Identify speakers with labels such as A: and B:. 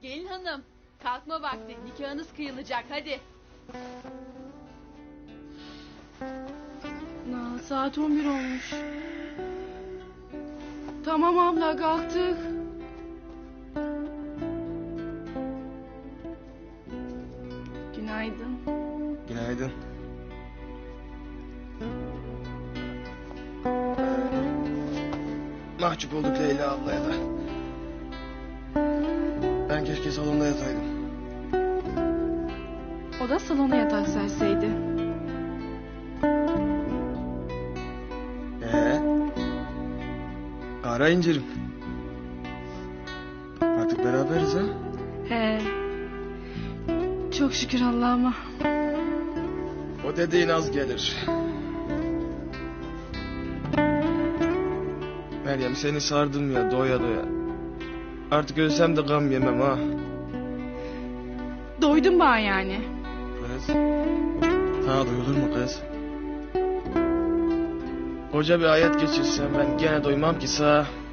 A: Gelin hanım, kalkma vakti, nikahınız kıyılacak, hadi.
B: Saat 11 olmuş. Tamam abla, kalktık. Günaydın.
C: Günaydın. Mahcup olduk Leyla ablaya da. Ben keşke salonda yataydım.
B: O da salona yatak serseydi.
C: Ara incirim. Artık beraberiz ha?
B: He. Çok şükür Allah'ıma.
C: O dediğin az gelir. Meryem seni sardım ya doya doya. Artık ölsem de gam yemem ha.
B: Doydun bana yani.
C: Kız. Sana duyulur mu kız? Koca bir hayat geçirsem ben gene doymam ki sağ.